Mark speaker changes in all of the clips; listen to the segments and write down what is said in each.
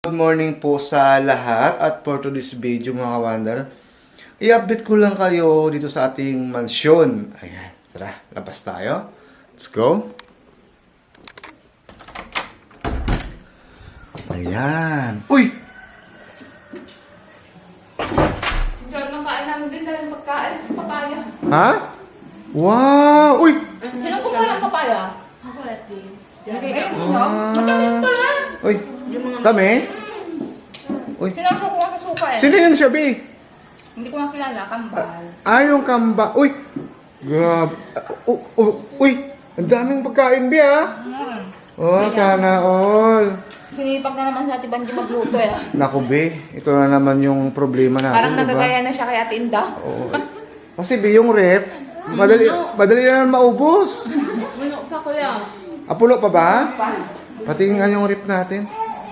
Speaker 1: Good morning po sa lahat at for today's video mga kawander, i-update ko lang kayo dito sa ating mansyon. Ayan, tara, labas tayo. Let's go. Ayan. Uy!
Speaker 2: Diyan nang kain namin din dahil pagkain, papaya.
Speaker 1: Ha? Wow! Uy!
Speaker 2: Sino kumuha ng papaya? Ako, Letty. Ayun mo, matamis pala.
Speaker 1: Uy! Dami? Uy!
Speaker 2: Sino ang kumuha sa suka eh?
Speaker 1: Sino yun siya, B?
Speaker 2: Hindi ko nga kilala, kambal.
Speaker 1: Yung kamba. Uy! Grabe. Uy! Ang daming pagkain, B, ha? Oh, sana all.
Speaker 2: Sinipag na naman sa Ate Banji magluto eh.
Speaker 1: Naku, be, ito na naman yung problema natin,
Speaker 2: Parang nagagaya na siya kay Ate Inda.
Speaker 1: Oo. Kasi be, yung rep, madali na naman maubos.
Speaker 2: Ano pa kuya?
Speaker 1: Puno pa ba? Patingin yung rep natin.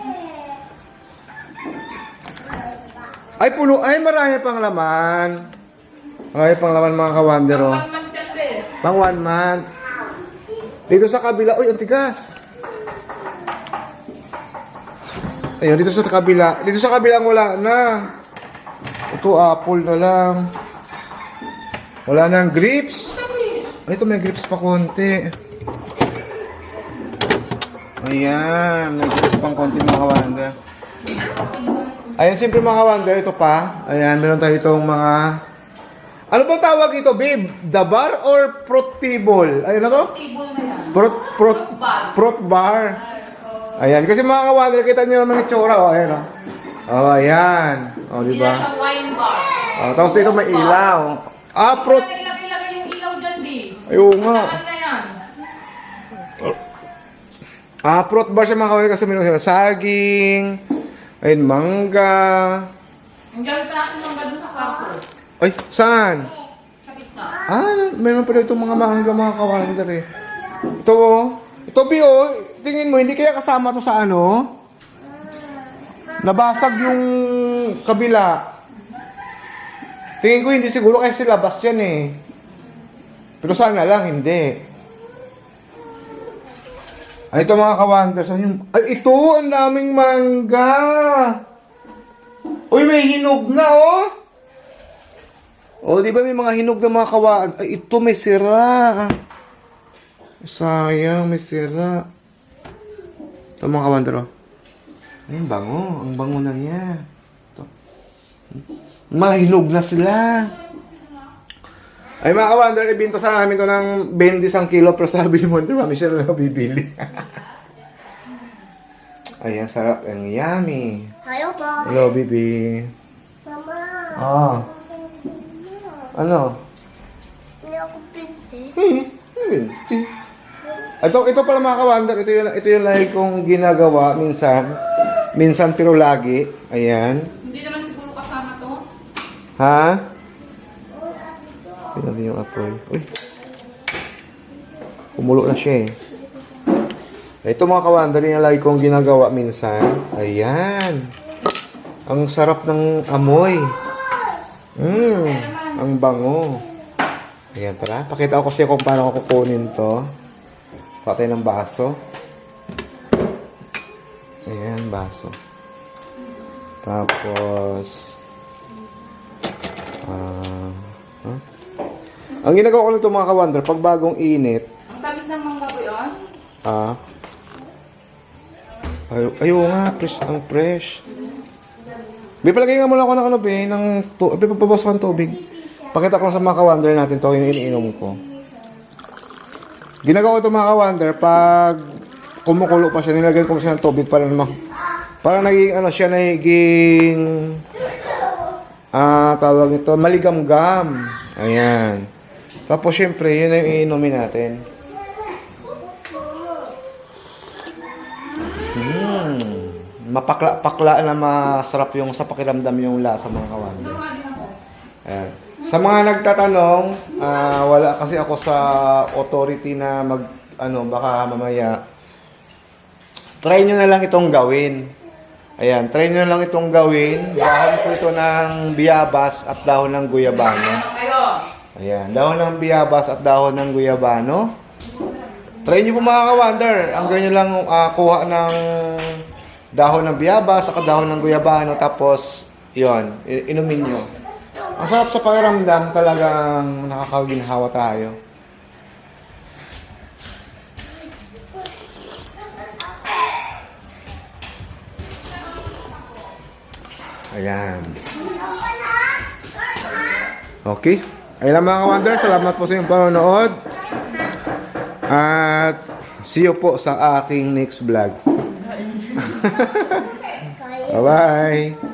Speaker 1: Ay, puno. Ay, marami pang laman. Marami pang laman mga kawander, oh.
Speaker 2: Pang month yan eh.
Speaker 1: Pang 1 month. Dito sa kabila, uy, ang tigas. Ayun, dito sa kabila. Dito sa kabila wala na. Ito, apple na lang. Wala nang grapes. Ay, ito may grapes pa konti. Ayan, may grapes pang konti mga kawanda. Ayan, siyempre mga kawanda, ito pa. Ayan, meron tayo itong mga... Ano bang tawag ito, babe? Dabar or protibol? Ayun na to?
Speaker 2: Table na yan.
Speaker 1: Prot bar. Ayan, kasi mga kawander, kita nyo naman yung tsura, oh, ayan, oh. Oh, ayan. Oh,
Speaker 2: Hindi
Speaker 1: diba?
Speaker 2: na siya wine bar.
Speaker 1: Oh, tapos dito may ilaw. Prot...
Speaker 2: Ilagay yung ilaw dyan, di.
Speaker 1: Ayun nga.
Speaker 2: Saan na yan?
Speaker 1: Prot bar siya mga kawander kasi meron sila saging. Ayun, mangga.
Speaker 2: Ang gawin pa natin mga doon sa kapo.
Speaker 1: Ay, saan?
Speaker 2: Sa gitna.
Speaker 1: Meron pa dito mga mangga mga kawander eh. Ito, oh. Ito, Bio, tingin mo, hindi kaya kasama to sa ano? Nabasag yung kabila. Tingin ko hindi siguro kasi labas yan eh. Pero sana lang, hindi. Ay, ito mga kawander. Ay, ito, ang daming mangga. Uy, may hinog na, oh. Oh, di ba may mga hinog na mga kawander? Ay, ito may sira. Sayang, may sira. Ito mga kawander, oh. Ay, ang bango. Ang bango na niya. Ito. Mahinog na sila. Ay, mga kawander, ibinta sa namin ito ng 20 isang kilo. Pero sabi ni Wonder, mami siya na bibili. Ay, ang sarap. Ang yummy.
Speaker 3: Hello po.
Speaker 1: Hello, baby.
Speaker 3: Mama.
Speaker 1: Ano?
Speaker 3: Hindi ako pinti.
Speaker 1: Binti. Ito pala mga kawander, ito yung lagi kong ginagawa minsan. Minsan pero lagi. Ayan.
Speaker 2: Hindi naman siguro kasama to.
Speaker 1: Ha? Pinabi yung apoy. Uy. Kumulo na siya eh. Ito mga kawander, yung lagi kong ginagawa minsan. Ayan. Ang sarap ng amoy. Ang bango. Ayan, tara. Pakita ko kasi kung paano ko kukunin to. Patay ng baso. Ayan, baso. Tapos, ang ginagawa ko nito mga kawander, pag bagong init,
Speaker 2: Ang tamis ng mangga ko yun.
Speaker 1: ayaw nga, ang fresh. Palagay nga muna ako ng ano, ng papabawas ko ng tubig. Pakita ko lang sa mga kawander natin to, yung iniinom ko. Ginagawa ko ito mga kawander, pag kumukulo pa siya, nilagay ko siya ng tubig para naging ano siya, naging tawag nito, maligamgam. Ayan. Tapos syempre, yun na yung iinumin natin. Mapakla na masarap yung sa pakiramdam yung lasa mga kawander. Ayan. Sa mga nagtatanong, wala kasi ako sa authority na baka mamaya. Try nyo na lang itong gawin. Ayan, try nyo na lang itong gawin. Dahon ko ito ng biyabas at dahon ng guyabano. Ayan, dahon ng biyabas at dahon ng guyabano. Try nyo po mga kawander. Ang gawin nyo lang kuha ng dahon ng biyaba, saka dahon ng guyabano, tapos, yon inumin nyo. Ang sarap sa pakiramdam, talagang nakakaginhawa tayo. Ayan. Okay. Ayun lang mga ka-wonder, salamat po sa inyong panonood. At see you po sa aking next vlog. Bye-bye.